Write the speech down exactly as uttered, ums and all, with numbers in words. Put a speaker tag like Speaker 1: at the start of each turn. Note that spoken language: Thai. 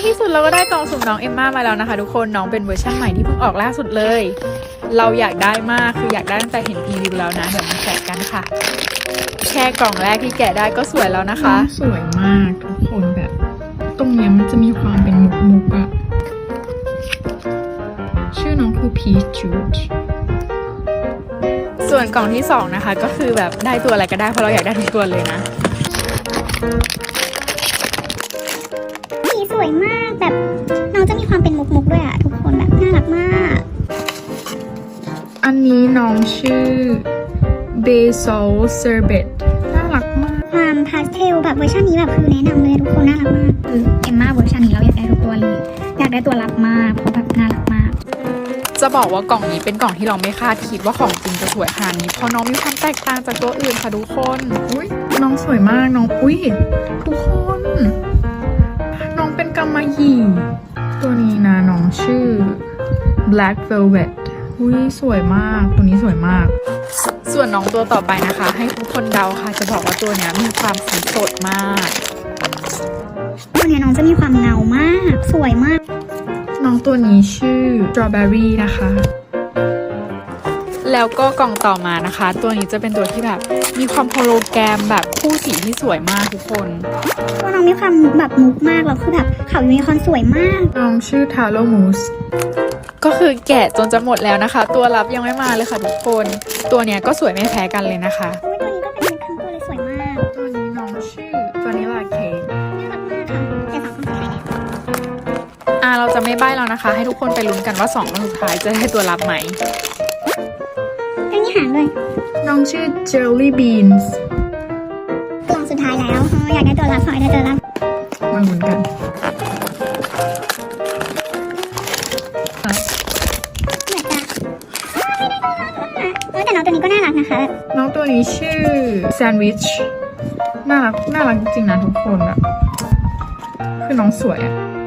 Speaker 1: ที่สุดเราก็ได้กล่องสุ่มน้องเอมม่ามาแล้วนะคะทุกคนน้องเป็นเวอร์ชันใหม่ที่เพิ่งออกล่าสุดเลย เราอยากได้มากคืออยากได้ตั้งแต่เห็นรีวิวแล้วนะเดี๋ยวมาแกะกันค่ะแค่กล่องแรกที่แกะได้ก็สวยแล้วนะคะ
Speaker 2: สวยมากทุกคนแบบตรงเนี้ยมันจะมีความเป็นมุกมุกอะชื่อน้องคือ Peach Juice
Speaker 1: ส่วนกล่องที่สองนะคะก็คือแบบได้ตัวอะไรก็ได้เพราะเราอยากได้ทุกตัวเลยนะ
Speaker 3: สีสวยมากแบบน้องจะมีความเป็นมุกมุกด้วยอะทุกคนแบบน่ารักมาก
Speaker 2: อันนี้น้องชื่อ Basil Sherbet น่ารักมาก
Speaker 3: ความพาสเทลแบบเวอร์ชันนี้แบบคือแนะนำเลยทุกคนน่ารักมากคือเอมม่าเวอร์ชันนี้เราอยากได้ทุกตัวเลยอยากได้ตัวรับมากเพราะแบบน่ารักมาก
Speaker 1: จะบอกว่ากล่องนี้เป็นกล่องที่เราไม่คาดคิดว่าของจริงจะสวยขนาดนี้เพราะน้องมีความแตกต่างจากตัวอื่นค่ะทุกคน
Speaker 2: อุ้ยน้องสวยมากน้องอุ้ยทุกคนน้องเป็นกำมะหยี่ตัวนี้นะน้องชื่อ Black Velvet อุ้ยสวยมากตัวนี้สวยมาก
Speaker 1: ส่วนน้องตัวต่อไปนะคะให้ทุกคนเดาค่ะจะบอกว่าตัวนี้มีความสีสดมาก
Speaker 3: ตัวนี้น้องจะมีความเงามากสวยมาก
Speaker 2: น้องตัวนี้ชื่อ Strawberry นะคะ
Speaker 1: แล้วก็กล่องต่อมานะคะตัวนี้จะเป็นตัวที่แบบมีความโฮโลแกรมแบบคู่สีที่สวยมากทุกคน
Speaker 3: ตัวน้องมีความแบบมุกมากแล้วคือแบบเขายูนิคอร์นสวยมาก
Speaker 2: น้องชื่อ Taro Mousse
Speaker 1: ก็คือแกะจนจะหมดแล้วนะคะตัวรับยังไม่มาเลยค่ะทุกคนตัวเนี้ยก็สวยไม่แพ้กันเลยนะคะ
Speaker 3: ตัวนี้ก็เป็นทั้งตัวเลยสวยมาก
Speaker 2: ตัวนี้น้องชื่อ Vanilla Cake
Speaker 3: น่ารักมากค่ะแต่สองคนสุดท้ายเนี่ย
Speaker 1: อ่าเราจะไม่ใบ้แล้วนะคะให้ทุกคนไปลุ้นกันว่าสองคนสุดท้ายจะได้ตัวรับไหม
Speaker 3: ก็นี่หางเลย
Speaker 2: น้องชื่อ Jelly Beans
Speaker 3: กล่องสุดท้ายแล้วอยากได้ตัวรับขอให้ได้ตัวรับ
Speaker 2: มาลุ้นกัน
Speaker 3: เหมือนจะแต่น้องตัวนี้ก็น่ารักนะคะ
Speaker 2: น้องตัวนี้ชื่อ Sandwich น่ารักน่ารักจริงๆนะทุกคนแบบคือน้องสวยอะ